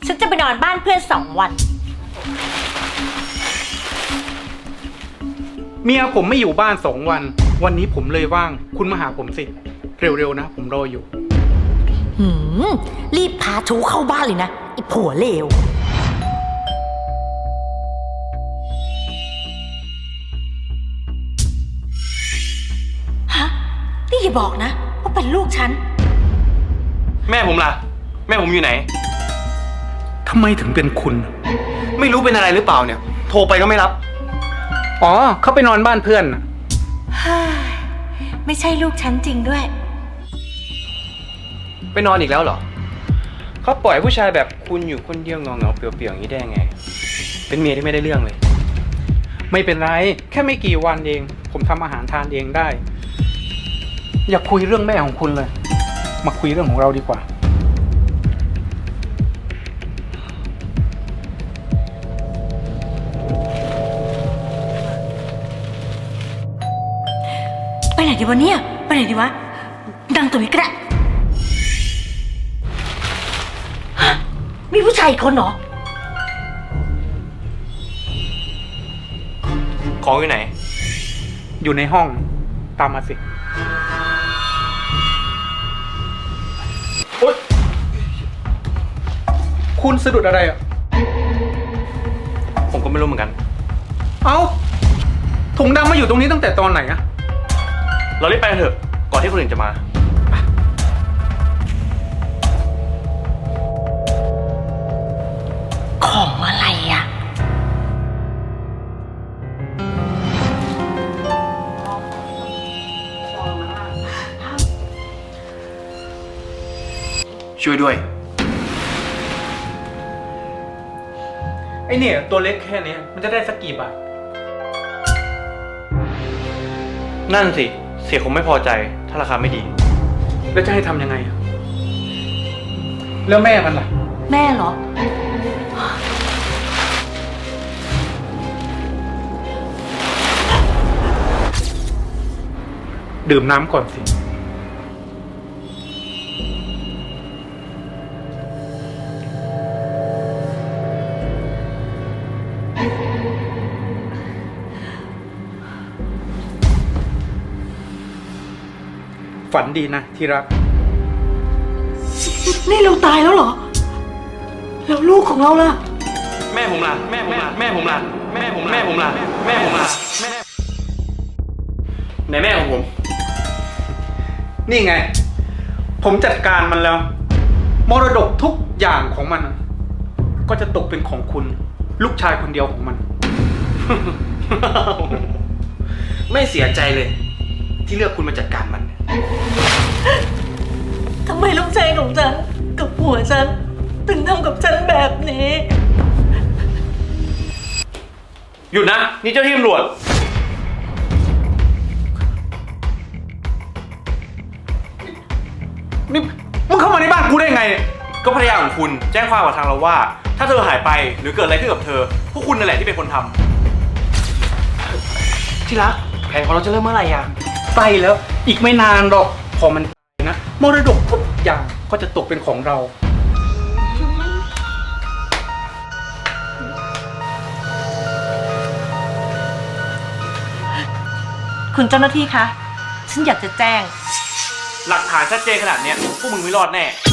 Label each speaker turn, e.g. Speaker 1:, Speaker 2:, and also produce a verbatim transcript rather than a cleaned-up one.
Speaker 1: ฉันจะไปนอนบ้านเพื่อนสองวัน
Speaker 2: เมียผมไม่อยู่บ้านสองวันวันนี้ผมเลยว่างคุณมาหาผมสิเร็วๆนะผมรออยู่
Speaker 1: หืมรีบพาชูเข้าบ้านเลยนะไอ้ผัวเลวฮะนี่อย่าบอกนะว่าเป็นลูกฉัน
Speaker 3: แม่ผมล่ะแม่ผมอยู่ไหน
Speaker 2: ทำไมถึงเป็นคุณ
Speaker 3: ไม่รู้เป็นอะไรหรือเปล่าเนี่ยโทรไปก็ไม่รับ
Speaker 2: อ๋อเขาไปนอนบ้านเพื่อน
Speaker 1: ไม่ใช่ลูกฉันจริงด้วย
Speaker 3: ไปนอนอีกแล้วเหรอเขาปล่อยผู้ชายแบบคุณอยู่คนเดียวเงาเงาเปลี่ยวเปลี่ยวอย่างนี้ได้ไงเป็นเมียที่ไม่ได้เรื่องเลย
Speaker 2: ไม่เป็นไรแค่ไม่กี่วันเองผมทำอาหารทานเองได้อย่าคุยเรื่องแม่ของคุณเลยมาคุยเรื่องของเราดีกว่า
Speaker 1: ไปไหนดีวะเนี่ยไปไหนดีวะดังตัวนี้ก็ได้มีผู้ชายอีกคนเหรอ
Speaker 3: ของอยู่ไหน
Speaker 2: อยู่ในห้องตามมาสิโอ๊ยคุณสะดุดอะไรอ่ะ
Speaker 3: ผมก็ไม่รู้เหมือนกัน
Speaker 2: เอ้าถุงดำมาอยู่ตรงนี้ตั้งแต่ตอนไหนอะ
Speaker 3: เรารีบไปกันเถอะก่อนที่คนอื่นจะมา
Speaker 1: ของอะไรอ่ะ
Speaker 3: ช่วยด้วย
Speaker 2: ไอเนี่ยตัวเล็กแค่นี้มันจะได้สักกี่บาท
Speaker 3: นั่นสิเสียคงไม่พอใจถ้าราคาไม่ดี
Speaker 2: แล้วจะให้ทำยังไงอะแล้วแม่มันล่ะ
Speaker 1: แม่เหรอ
Speaker 2: ดื่มน้ำก่อนสิฝันดีนะที่รัก
Speaker 1: นี่เราตายแล้วเหรอแล้วลูกของเราล่ะ
Speaker 3: แม่ผมล่ะแม่ผมล่ะแม่ผมล่ะแม่ผมแม่ผมล่ะแม่ผมล่ะแม่ไหนแม่ของผม
Speaker 2: นี่ไงผมจัดการมันแล้วมรดกทุกอย่างของมันก็จะตกเป็นของคุณลูกชายคนเดียวของมัน
Speaker 3: ไม่เสียใจเลยที่เลือกคุณมาจัดการมัน
Speaker 1: ทำไมลูกชายของฉันกับผัวฉันถึงทำกับฉันแบบนี้
Speaker 3: หยุดนะนี่เจ้าที่ตำรวจ
Speaker 2: นี่มึงเข้ามาในบ้านกูได้ไงเนี่ย
Speaker 3: ก็ภรรยาของคุณแจ้งความกับทางเราว่าถ้าเธอหายไปหรือเกิดอะไรขึ้นกับเธอพวกคุณนั่นแหละที่เป็นคนทำที่รักแผนของเราจะเริ่มเมื่อไหร่อ่ะ
Speaker 2: ใกล้แล้วอีกไม่นานหรอกพอมันนะมรดกทุกอย่างก็จะตกเป็นของเรา
Speaker 1: คุณเจ้าหน้าที่คะฉันอยากจะแจ้ง
Speaker 3: หลักฐานชัดเจนขนาดนี้พวกมึงไม่รอดแน่